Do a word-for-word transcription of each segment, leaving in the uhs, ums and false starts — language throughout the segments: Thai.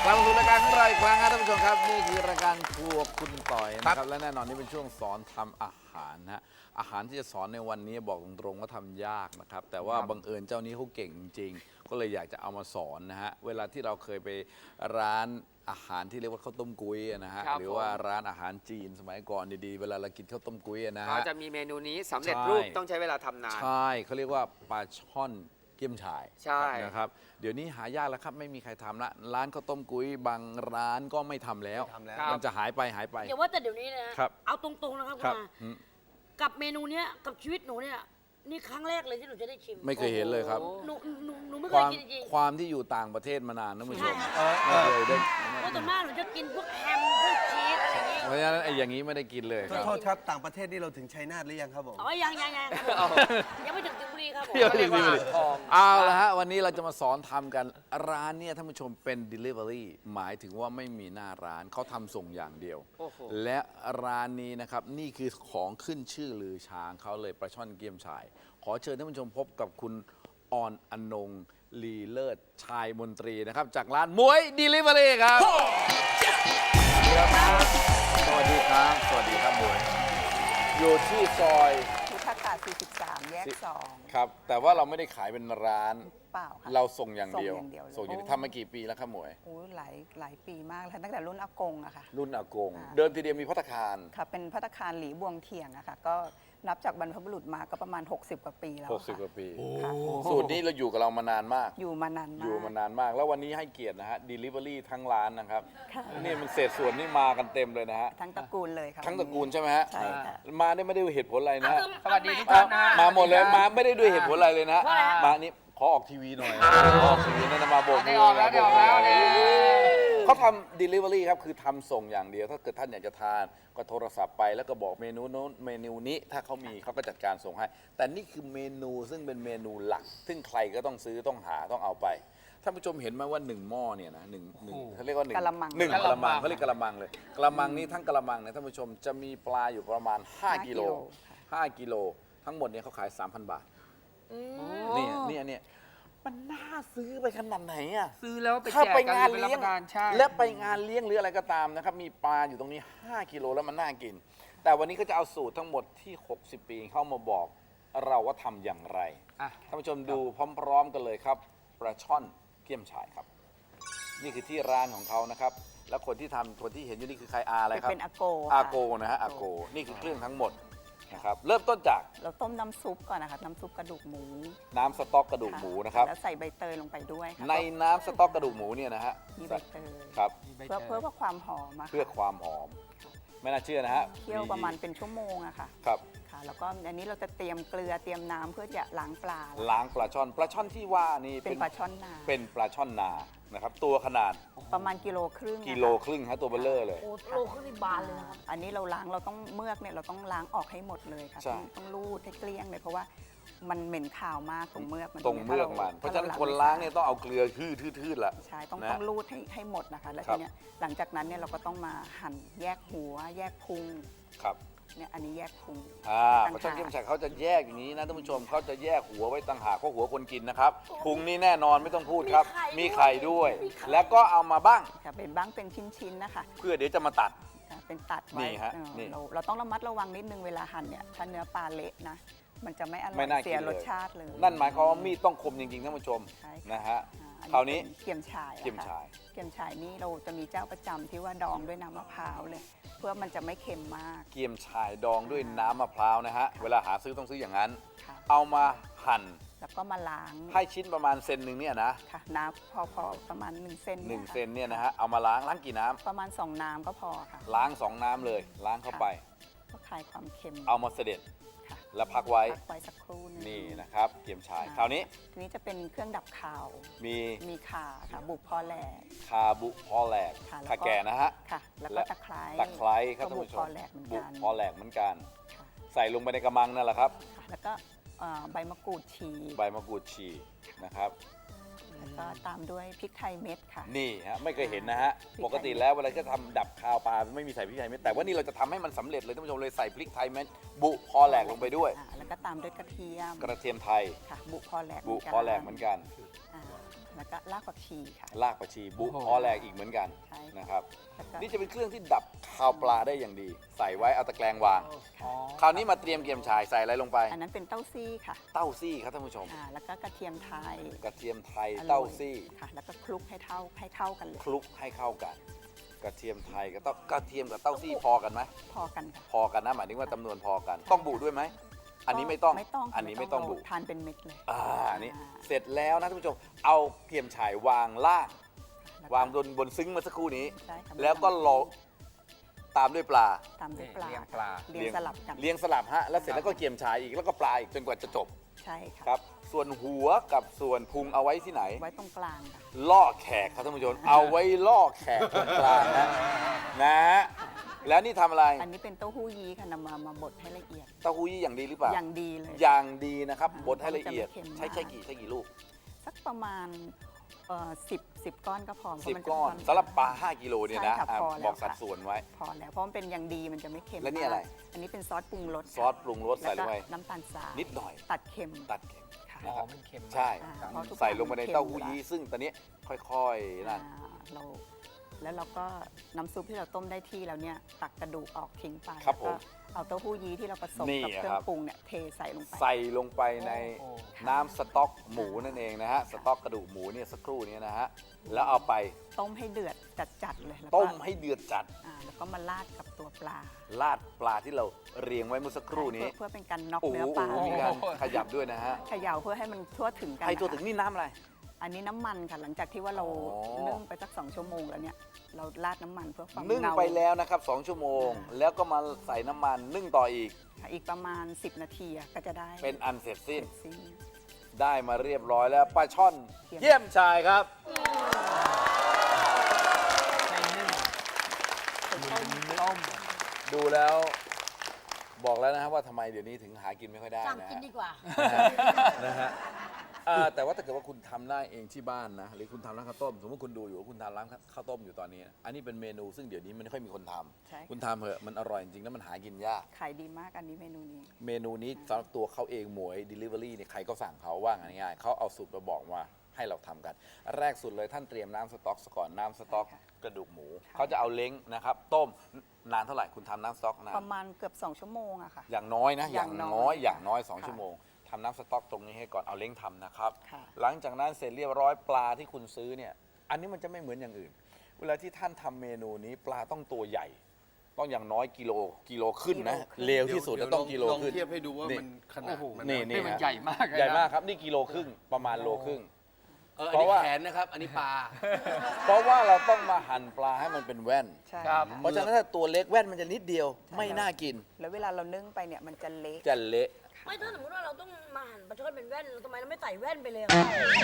กลับมาสู่รายการของเราอีกครั้งครับท่านผู้ชมครับนี่คือรายการครัวคุณต่อยนะครับและแน่นอนนี่เป็นช่วงสอนทำอาหารนะฮะอาหารที่จะสอนในวันนี้บอกตรงๆว่าทำยากนะครับแต่ว่าบังเอิญเจ้านี้เขาเก่งจริงๆก็เลยอยากจะเอามาสอนนะฮะเวลาที่เราเคยไปร้านอาหารที่เรียกว่าข้าวต้มกุ้ยนะฮะหรือว่าร้านอาหารจีนสมัยก่อนดีๆเวลาเรากินข้าวต้มกุ้ยนะฮะเขาจะมีเมนูนี้สำเร็จรูปต้องใช้เวลาทำนานใช่เขาเรียกว่าปลาช่อนเกี๊ยมฉ่ายใช่นะครับเดี๋ยวนี้หายากแล้วครับไม่มีใครทำละร้านข้าวต้มกุ้ยบางร้านก็ไม่ทำแล้วมันจะหายไปหายไปอย่าว่าแต่เดี๋ยวนี้นะครับ เอาตรงๆนะครับคคุรับณอาอืมกับเมนูเนี้ยกับชีวิตหนูเนี่ยนี่ครั้งแรกเลยที่หนูจะได้ชิมไม่เคยเห็นเลยครับหนูหนูหนูไม่คเคยวามกินจริงความที่อยู่ต่างประเทศมานานนะผู้ชมใช่ไม่เคยได้ๆเพราะส่วนมากหนูจะกินพวกแฮมพวกชีสอะไรอย่างงี้เพราะฉะนั้นไอ้อย่างนี้ไม่ได้กินเลยครับโทษครับต่างประเทศนี่เราถึงชัยนาทหรือยังครับผมอ๋อยังยังยังครับผมยังไม่ถึงสิงห์บุรีครับผมเดี๋ยวเรียกว่าทองเอาละฮะวันนี้เราจะมาสอนทำกันร้านเนี่ยท่านผู้ชมเป็น Delivery หมายถึงว่าไม่มีหน้าร้านเขาทำส่งอย่างเดียวโอ้โหและร้านนี้นะครับนี่คือของขึ้นชื่อลือช้างเขาเลยปลาช่อนเกี๊ยมฉ่ายขอเชิญท่านผู้ชมพบกับคุณออนอนงลีเลิศชายมนตรีนะครับจากร้านมวย Delivery ครับสวัสดีครับสวัสดีครับมวยอยู่ที่ซอยพุทธากาศสี่สิบสาม แยกสองครับแต่ว่าเราไม่ได้ขายเป็นร้านเปล่าค่ะเราส่งอย่างเดียวส่งอย่างเดียวเลยส่งอย่างเดียวทำมากี่ปีแล้วครับหมวยโอ้ยหลายหลายปีมากแล้วตั้งแต่รุ่นอากงอะค่ะรุ่นอากงอ่าเดิมทีเดียวมีพัตตาคารค่ะ เป็นพัตตาคารหลีบวงเทียงอะค่ะ ก็นับจากบรรพบุรุษมาก็ประมาณ หกสิบ กว่าปีแล้วหกสิบค่ะกว่าปีค่ะสูตรนี้เราอยู่กับเรามานานมากอยู่มานานมากอยู่มานานมาก แล้ววันนี้ให้เกียรตินะฮะ Delivery ทั้งร้านนะครับค่ะนี่มันเศษส่วนนี่มากันเต็มเลยนะฮะทั้งตระกูลเลยค่ะทั้งตระกูลใช่ไหมฮะใช่ค่ะมาได้ไม่ได้ด้วยเหตุผลอะไรนะฮะสวัสดีทุกอ่ะท่านนะมาหมดเลยมาไม่ได้ด้วยเหตุผลอะไรเลยนะเพราะอะไรฮะมานี่ขอออกทีวีหน่อยขอออกทีวีนั่นนะมาโบกมืได้อออกแล้วได้ออกแล้วเนี่ยเขาทำ Delivery ครับคือทำส่งอย่างเดียว ถ้าเกิดท่านอยากจะทานก็โทรศัพท์ไปแล้วก็บอกเมนูโน้นเมนูนี้ถ้าเขามีเขาก็จัดการส่งให้ แต่นี่คือเมนูซึ่งเป็นเมนูหลัก ซึ่งใครก็ต้องซื้อต้องหาต้องเอาไปท่านผู้ชมเห็นไหมว่าหนึ่งหม้อเนี่ยนะหนึ่งหนึ่งเขาเรียกว่าหนึ่งกะละมังหนึ่งกะกะละละมัมังงเขาเรียกกะละมังเลยกะละมังนี้ทั้งกะละมังเนี่ยท่านผู้ชมจะมีปลาอยู่ประมาณห้ากิโลห้ากิโลทั้งหมดเนี่ยเขาขาย สามพัน บาทเนี่ยเนี่ยเนี่ยมันน่าซื้อไปขนาดไหนอ่ะซื้อแล้วไปถ้าแจกไปกันงานไปรับเลี้ยปงระทานใช่และไปงานเลี้ยงหรืออะไรก็ตามนะครับมีปลาอยู่ตรงนี้ห้ากิโลแล้วมันน่ากิน แต่วันนี้ก็จะเอาสูตรทั้งหมดที่หกสิบปีเข้ามาบอกเราว่าทำอย่างไรอ่ะท่านผู้ชมดูพร้อมๆกันเลยครับปลาช่อนเกี๊ยมฉ่ายครับ นี่คือที่ร้านของเขานะครับแล้วคนที่ทำคนที่เห็นอยู่นี่คือใครอาอะไรครับเป็นอาโกอาค่ะโกนะฮะอาโกนี่คือเครื่องทั้งหมดนะครับเริ่มต้นจากเราต้มน้ำซุปก่อนนะคะน้ำซุปกระดูกหมูน้ำสต๊อกกระดูกหมูนะครับแล้วใส่ใบเตยลงไปด้วยค่ะในน้ำสต๊อกกระดูกหมูเนี่ยนะฮะมีใบเตยครับเพื่อเพื่อเพื่อความหอมอะค่ะเพื่อความหอม ไม่น่าเชื่อนะฮะเคี่ยวประมาณเป็นชั่วโมงอะค่ะครับค่ะ แล้วก็อันนี้เราจะเตรียมเกลือเตรียมน้ำเพื่อจะล้างปลาล้างปลาช่อนปลาช่อนที่ว่านี่เป็นปลาช่อนนาเป็นปลาช่อนนานะครับตัวขนาดประมาณกิโลครึ่งนะคะกิโลครึ่งฮะตัวเบลเลอร์เลยโอ้โลขึ้นนี่บานเลยนะครับอันนี้เราล้างเราต้องเมือกเนี่ยเราต้องล้างออกให้หมดเลยค่ะใช่ต้องต้องรูดให้เกลี้ยงเลยเพราะว่ามันเหม็นขาวมากตรงเมือกมันตรงเมือกมัน เพราะฉะนั้นคนล้างเนี่ยต้องเอาเกลือทื่อๆละใช่ต้องนะต้องรูดให้ให้หมดนะคะ แล้วครัทีบเนี้ยหลังจากนั้นเนี่ยเราก็ต้องมาหั่นแยกหัว แยกพุงครับเนี่ยอันนี้แยกพุงอ่าต่างหากปลาช่อนเกี๊ยมฉ่ายเขาจะแยกอย่างนี้นะท่านผู้ชมเขาจะแยกหัวไว้ต่างหากเพราะหัวคนกินนะครับพุงนี่แน่นอนไม่ต้องพูดครับมีมีไข่ไข่ด้ด้ววย ยแล้วก็เอามาบ้างค่ะเป็นบ้างเป็นชิ้นๆนะคะเพื่อเดี๋ยวจะมาตัดค่ะเป็นตัดไว้นี่ฮะเออนี่เราเราต้องระมัดระวังนิดนึงเวลาหั่นเนี่ยถ้าเนื้อปลาเละนะมันจะไม่อร่ไม่อยน่ากินเสียเลยรสชาติเลยนั่นหมายความว่ามีดต้องคมจริงๆท่านผู้ชมใช่ค่ะนะฮะอ่คราวนี้เป็นเกี๊ยมฉ่ายอะค่ะเกี๊ยมฉ่ายเกี๊ยมฉ่ายนี่เราจะมีเจ้าประจำที่ว่าดองด้วยน้ำมะพร้าวเลย เพื่อมันจะไม่เค็มมากเกี๊ยมฉ่ายดองด้วยน้ำมะพร้าวนะฮะเวลาหาซื้อต้องซื้ออย่างนั้นค่ะเอามาหั่นแล้วก็มาล้างให้ชิ้นประมาณเซนหนึ่งเนี่ยนะค่ะน้ำพอพอประมาณ1เซนหนึ่งยค่ะเซนเนี่ยนะฮะเอามาล้างล้างกี่น้ำประมาณ 2 น้ำก็พอค่ะล้างสองน้ำเลย ล้างเข้าไปก็คลายความเค็มเอามาเสด็จค่ะแล้วพักไว้พักไว้สักครู่หงนี่นะครับเกี๊ยมฉ่ายคราวนี้ทีนี้จะเป็นเครื่องดับคาวมีมีข่าค่ะ บุกพอแหลกคาบุพอแหลกค่ะแล้วก็ขาแก่นะฮะค่ะ แล้วก็และตะไคร้ตะไคร้ครับก็ท่านบุกผู้ชพอมแหลกเหมือนบุกันพอแหลกเหมือนกันค่ะใส่ลงไปในกระมังนั่นแหละครับค่ะแล้วก็เอ่อใบมะกรูดฉีกใบมะกรูดฉีกนะครับแล้วก็ตามด้วยพริกไทยเม็ดค่ะนี่ฮะไม่เคยเห็นนะฮะพริกไทยปกติแล้วเวลาจะทำดับคาวปลาไม่มีใส่พริกไทยเม็ดแต่ว่านี่เราจะทำให้มันสำเร็จเลยท่านผู้ชมเลยใส่พริกไทยเม็ดบุพอแหลกลงไปด้วยอ่าแล้วก็ตามด้วยกระเทียมกระเทียมไทยค่ะ บุพอแหลกบุพอแหลกเหมือนกันอ่าแล้วก็รากผักชีค่ะรากผักชีบุพอแหลกอีกเหมือนกันใช่ค่ะนะครับแล้วก็นี่จะเป็นเครื่องที่ดับคาวปลาได้อย่างดี ใส่ไว้เอาตะแกรงวางค่ะคราวนี้มาเตรียมเกี๊ยมฉ่ายใส่อะไรลงไปอันนั้นเป็นเต้าซี่ค่ะเต้าซี่ครับท่านผู้ชมอ่าแล้วก็กระเทียมไทยกระเทียมไทยอร่อยเต้าซี่ค่ะ แล้วก็คลุกให้เท่าให้เท่ากันเลยคลุกให้เข้ากัน กระเทียมไทยกับเต้ากระเทียมกับเต้าซี่พอกันไหมพอกันค่ะพอกันนะหมายถึงว่าจำนวนพอกัน ต้องบุด้วยไหมอันนี้ไม่ต้องไม่ต้องค่ะอันนี้ไม่ต้องบุทานเป็นเม็ดเลยอ่านี่เสร็จแล้วนะท่านผู้ชมเอาเกี๊ยมฉ่ายวางล่างแล้วางบนบนซึ้งเมื่อสักครู่นี้ใช่ค่ะแล้วก็รอตามด้วยปลาตามด้วยปลาเลี้ยงปลาเรียงสลับกันเลี้ยงสลับฮะแล้วเสร็จแล้วก็เกี๊ยมฉ่ายอีกแล้วก็ปลาอีกจนกว่าจะจบใช่ค่ะครับ ส่วนหัวกับส่วนพุงเอาไว้ที่ไหนไว้ตรงกลางค่ะล่อแขกครับท่านผู้ชม เอาไว้ล่อแขกตรงกลางนะนะแล้วนี่ทำอะไรอันนี้เป็นเต้าหู้ยี้ค่ะนำมามาบดให้ละเอียดเต้าหู้ยี่อย่างดีหรือเปล่าอย่างดีเลยอย่างดีนะครับอ่าบดให้ละเอียดมันจะไม่เค็มใช้ใช้มากกี่ใช้กี่ลูกสักประมาณเอ่อสิบสิบก้อนก็พอเพสิบราะมัจะก้อนค่สำหรับปลาห้ากิโลเนี่ยนะใช่ค่ะอ่ะพอแล้วบอกสัดค่ะส่วนไว้พอแล้วเพราะมันเป็นอย่างดีมันจะไม่เค็มแล้วนี่อะไรมากอันนี้เป็นซอสปรุงรสซอสปรุงรสใส่ลงไปแวก็น้ำตาลทรายนิดหน่อยตัดเค็มตัดเค็มค่ะอ๋อมันเค็มมากใช่อ่าเพราะทุกใส่ลงไปในอย่างมันเค็มเต้าหู้อยู่ยี้แล้วซึ่งตอนนี้ค่อยๆนั่นอ่าเราแล้วเราก็น้ำซุปที่เราต้มได้ที่แล้วเนี่ยตักกระดูกออกทิ้งไปครับแล้วก็ผมเอาเต้าหู้ยี้ที่เราผสมนี่กับเครื่อครังบปรุงเนี่ยเทใส่ลงไปใส่ลงไปในโอ้น้ำสต๊อกหมูนั่นเองนะฮะสต๊อกกระดูกหมูเนี่ยสักครู่นี้นะฮะแล้วเอาไปต้มให้เดือดจัดๆเลยแล้วก็ต้มให้เดือดจัดอ่าแล้วก็มาราดกับตัวปลาราดปลาที่เราเรียงไว้เมื่อสักครู่นี้เพื่อเพื่อเป็นการน็อกโอ้โหเนื้อปลามีการขยับด้วยนะฮะเขย่าเพื่อให้มันทั่วถึงกันไอ้ตัวนะคะถึงนี่น้ำอะไรอันนี้น้ำมันค่ะหลังจากที่ว่าเราอ๋อนึ่งไปสักสองชั่วโมงแล้วเนี่ยเราราดน้ำมันเพื่อความนึ่งเงาไปแล้วนะครับสองชั่วโมง แล้วก็มาใส่น้ำมันนึ่งต่ออีกค่ะอีกประมาณ สิบ นาทีอะก็จะได้เป็นอันเสร็จสิ้นเสร็จสิ้นได้มาเรียบร้อยแล้วปลาช่อนเยี่ยมเยี่ยมชายครับใช่นึ่งต้มดูแล้วบอกแล้วนะครับว่าทำไมเดี๋ยวนี้ถึงหากินไม่ค่อยได้สั่งนะกินฮะดีกว่านะฮะเอ่อแต่ว่าถ้าเกิดว่าคุณทำได้เองที่บ้านนะหรือคุณทำร้านข้าวต้มสมมติคุณดูอยู่ว่าคุณทำร้านข้าวต้มอยู่ตอนนี้นะอันนี้เป็นเมนูซึ่งเดี๋ยวนี้มันไม่ค่อยมีคนทำใช่ค่ะคุณทำเถอะมันอร่อยจริงๆแล้วมันหากินยากขายดีมากอันนี้เมนูนี้เมนูนี้สำหรับตัวเขาเองหมวย Delivery เนี่ยใครก็สั่งเขาว่าง่ายๆเขาเอาสูตรมาบอกมาให้เราทำกัน แรกสุดเลยท่านเตรียมน้ำสต๊อกซะก่อนน้ำสต๊อกใช่ค่ะกระดูกหมูเขาจะเอาเล้งนะครับต้มนานเท่าไหร่คุณทำน้ำสต๊อกนานประมาณเกือบ สอง ชั่วโมงอะค่ะอย่างน้อยนะออย่าย่าง งน้อยน้อยอย่างน้อยค่ะสองชั่วโมงทำน้ำสต๊อกตรงนี้ให้ก่อนเอาเล้งทำนะครับค่ะหลังจากนั้นเสร็จเรียบร้อยปลาที่คุณซื้อเนี่ยอันนี้มันจะไม่เหมือนอย่างอื่น เวลาที่ท่านทำเมนูนี้ปลาต้องตัวใหญ่ ต้องอย่างน้อยกิโลกิโลขึ้นนะกิโลขึ้นเร็วที่สุดเดี๋จะยวต้องกิโลลองขึ้นเทียบให้ดูว่ามันขนาดโอ้โหมันนี่นี่มันใหญ่มากเลยนะใหญ่มากครับนี่กิโลครึ่งประมาณโลครึ่งเอออันเพราะนี้ว่าแขนนะครับ อันนี้ปลาเพราะว่าเราต้องมาหั่นปลาให้มันเป็นแว่นใช่ครับค่ะเพราะฉะนั้นถ้าตัวเล็กแว่นมันจะนิดเดียว ไม่น่ากินแล้วเวลาเรานึ่งไปเนี่ยมันจะเละจะเละไม่ถ้าสมมติว่าเราต้องมาหั่นปลาช่อนเป็นแว่นทำไมเราไม่ใส่แว่นไปเลยอะ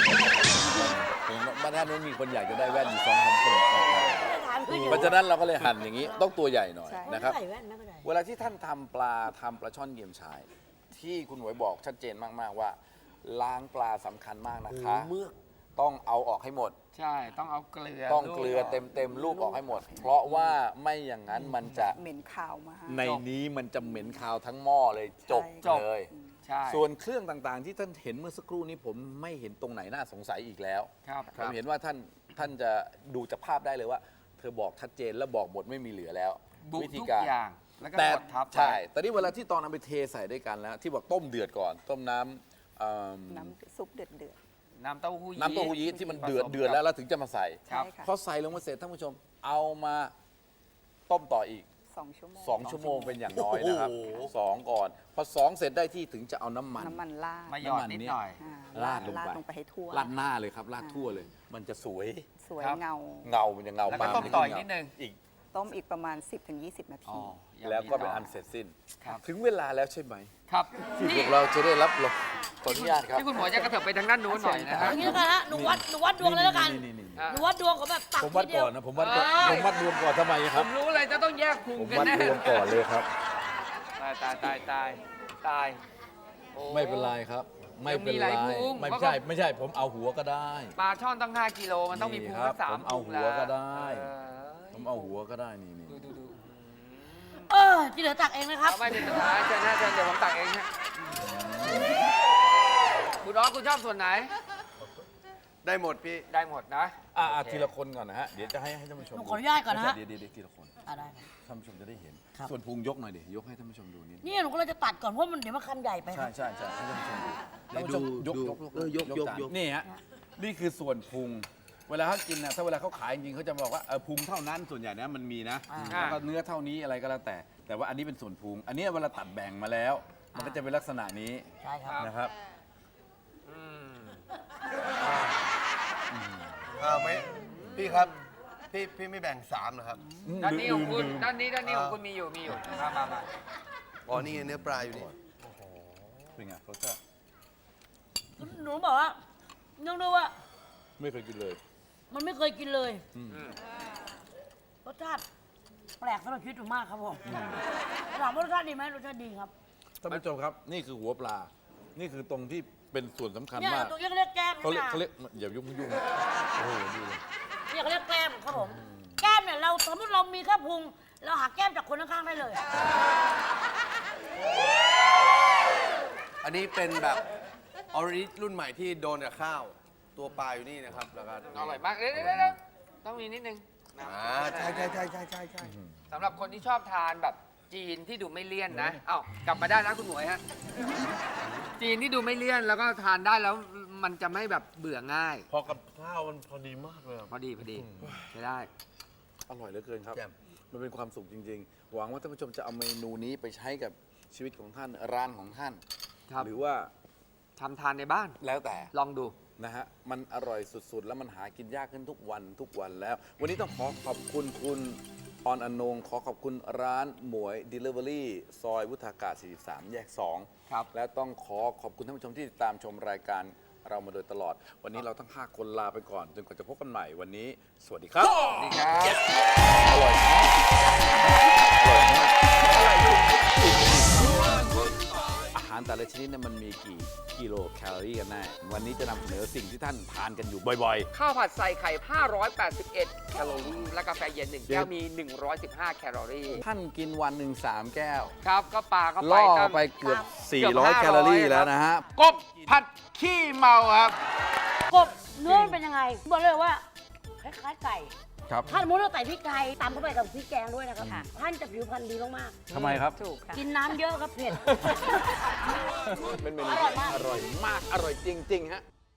บ้านท่านนู้นมีคนอยากจะได้แว่นอยู่สองสามคนไม่ได้ถามคืออยู่เพราะฉะนั้นเราก็เลยหั่นอย่างนี้ต้องตัวใหญ่หน่อยใช่นะครับไม่ใส่แว่นไม่เป็นไรเวลาที่ท่านทำปลาทำปลาช่อนเยี่ยมชาย ที่คุณหมวยบอกชัดเจนมากๆว่า ล้างปลาสำคัญมากนะคะเมือกต้องเอาออกให้หมดใช่ ต้องเอาเกลือต้องเกลือเต็มเต็มๆลูกออกให้หมด เพราะว่าไม่อย่างนั้นมันจะเหม็นขาวมากในนี้มันจะเหม็นคาวทั้งหม้อเลยจบใช่เลยใช่ส่วนเครื่องต่างๆ ที่ท่านเห็นเมื่อสักครู่นี้ผมไม่เห็นตรงไหนน่าสงสัยอีกแล้วครับผมเห็นว่าท่านท่านจะดูจากภาพได้เลยว่า เธอบอกชัดเจนและบอกหมดไม่มีเหลือแล้วบุวิธีทุกการอย่าง แล้วก็แต่กดทับไว้ใช่แต่นี่เวลาที่ตอนเอาไปเทใส่ด้วยกันแล้ว ที่บอกต้มเดือดก่อน ต้มน้ำเอิ่มน้ำซุปเดือดเดือดน้ำเต้าหู้ยี้น้ำเต้าหู้ยี้ที่มันเดือดผสมเดือดแล้วแล้วถึงจะมาใส่ๆใช่ค่ะพอใส่ลงมาเสร็จท่านผู้ชม เอามาต้มต่ออีกสองชั่วโมงสองชั่วโมงเป็นอย่างน้อยนะครับโอ้โหสองก่อน พอสองเสร็จได้ที่ถึงจะเอาน้ำมันน้ำมันราดมาหยอดนิดหน่อยอ่าราดลงราดไปลงไปให้ทั่วราดหน้าเลยครับราดทั่วเลย มันจะสวยสวยครับเงาเงา มันจะเงาแล้วก็ปาต้มจะต่ออีกเงานิดนึงอีกต้มอีกประมาณ สิบถึงยี่สิบ นาอ๋ทีอแล้วก็เป็นอันเสร็จสิ้นครับถึงเวลาแล้วใช่ไหมครับที่พนี่วกเราจะได้รับรองขออนุญาตครับที่คุณหมอจะกระเถิบไปทางด้านนู้นหน่อยนะอฮะย่างนี้แล้วกันฮะหนูวัดหนูวัดดวงเลยแล้วกันนี่ๆอ่ะหนูวัดดวงของแบบตักๆผมทีวัดเดียก่วอนนะผมวัดก่อนเอ้ยผมวัดรวมก่อนทำไมคผรับมรู้เลยจะต้องแยกพุงผมกันวัดแน่รวมก่อนเลยครับตายตายตายตายตายโอ้ไม่เป็นไรครับไม่เป็นมีหไรลายพุงไม่เพราะใช่ไม่ใช่ผมเอาหัวก็ได้ปลาช่อนตั้งห้ากิโลมันต้องมีพุงนี่ครับสักสามผมเอาพุงหัวก็ได้เออผมเอาหัวก็ได้นี่นี่ดูดูดูเออที่เหลือตักเองนะครับเอาไม่เป็นสุดท้ายเชิญนะเชิญเดี๋ยวผมตักเองฮะคุณอ๋อคุณชอบส่วนไหนได้หมดพี่ได้หมดนะอ่ะอ่ะโอเคทีละคนก่อนนะฮะเดี๋ยวจะให้ให้ท่านผู้ชมหนูขออนุญาตก่อนนะฮะไม่ใช่เดี๋ยวเดี๋ยวเดี๋ยวทีละคนอ่ะได้ครับท่านผู้ชมจะได้เห็นครับส่วนพุงยกหน่อยดิยกให้ท่านผู้ชมดูนิดนึงนี่หนูก็เลยจะตัดก่อนเพราะมันเดี๋ยวมันคำใหญ่ไปคใช่รับใช่ใช่ให้ท่านผู้ชมดูเดี๋ยวท่านผู้ชมดูยกดูยกเออยกยกจานยกนี่ฮะนี่คือส่วนพุง เวลาเขากินนะถ้าเวลาเขาขายจริงๆเขาจะบอกว่าเออพุงเท่านั้นส่วนใหญ่นะมันมีนะอ่าแล้วก็เนื้อเท่านี้อะไรก็แล้วแต่ แต่ว่าอันนี้เป็นส่วนพุง อันนี้เวลาตัดแบ่งมาแล้ว มันก็จะเป็นลักษณะนี้ใช่ครับนะครับอืมอ่าไม่พี่ครับ พี่พี่ไม่แบ่งสามนะครับด้านนี้ของคุณด้านนี้ด้านนี้ของคุณมีอยู่มีอยู่มามามาอ๋อนี่ไงเนื้อปลาอยู่นี่เป็นไงรสชาติหนูบอกว่าเนื่องด้วยว่าไม่เคยกินเลยมันไม่เคยกินเลยอืมรสชาติแปลกสำหรับชีวิตหนูมากครับผมถามว่ารสชาติดีไหมรสชาติดีครับท่านผู้ชมครับ นี่คือหัวปลา นี่คือตรงที่เป็นส่วนสำคัญเนี่ยมากตัวนี้เขาเรียกแก้มเขาเรียกนะเขาเรียกอย่ายุ่งยุ่งโอ้โหดูเลยเนี่ยเขาเรียกแก้มครับผม แก้มเนี่ยเราสมมติเรามีแค่พุง เราหาแก้มจากคนข้างๆได้เลยอันนี้เป็นแบบออริจิรุ่นใหม่ที่โดนกับข้าว ตัวปลาอยู่นี่นะครับแล้วก็อร่อยมากเดี๋ยวเดี๋ยวเดี๋ยวต้องมีนิดนึงนะอ่าใช่ใช่ใช่ใช่ใช่ใช่สำหรับคนที่ชอบทานแบบจีนที่ดูไม่เลี่ยนนะเอ้ากลับมาได้นะคุณหมวยฮะจีนที่ดูไม่เลี่ยนแล้วก็ทานได้แล้วมันจะไม่แบบเบื่อง่ายพอกับข้าวมันพอดีมากเลยอะพอดีพอดีใช้ได้อร่อยเหลือเกินครับแจ่มมันเป็นความสุขจริง ๆ หวังว่าท่านผู้ชมจะเอาเมนูนี้ไปใช้กับชีวิตของท่าน ร้านของท่านครับหรือว่าทำทานในบ้านแล้วแต่ลองดูนะฮะ มันอร่อยสุด ๆ แล้วมันหากินยากขึ้นทุกวันทุกวันแล้ว วันนี้ต้องขอขอบคุณคุณออนอนงขอขอบคุณร้านหมวย Delivery ซอยวุฒากาศ สี่สิบสาม แยก สองครับและต้องขอขอบคุณท่านผู้ชมที่ติดตามชมรายการเรามาโดยตลอด วันนี้เราทั้งห้าคนลาไปก่อน จนกว่าจะพบกันใหม่วันนี้ สวัสดีครับดีครับอร่อยมากอร่อยมากอาหารแต่ละชนิดเนี่ยมันมีกี่กิโลแคลอรี่กันแน่ วันนี้จะนำเสนอสิ่งที่ท่านทานกันอยู่บ่อยข้าวผัดใส่ไข่ ห้าร้อยแปดสิบเอ็ด แคลอรี่ และกาแฟเย็นหนึ่งแก้วมี หนึ่งร้อยสิบห้า แคลอรี่ๆ ท่านกินวันหนึ่งสามแก้วครับ ก็ปลาเข้าไปล่อตั้งไปเกือบเกือบสี่ร้อย แคลอรี่ห้าร้อยแล้วนะฮะกบผัดขี้เมาครับกบเนื้อมันเป็นยังไง บอกเลยว่าคล้ายๆไก่ครับถ้าสมมติเราใส่พริกไทยตามเข้าไปกับพริกแกงด้วยนะครับท่านจะผิวพรรณดีมากทำไมครับถูกค่ะๆ กินน้ำเยอะครับเผ็ดเป็นเมนูที่อร่อยมาก อร่อยจริง ๆ ฮะ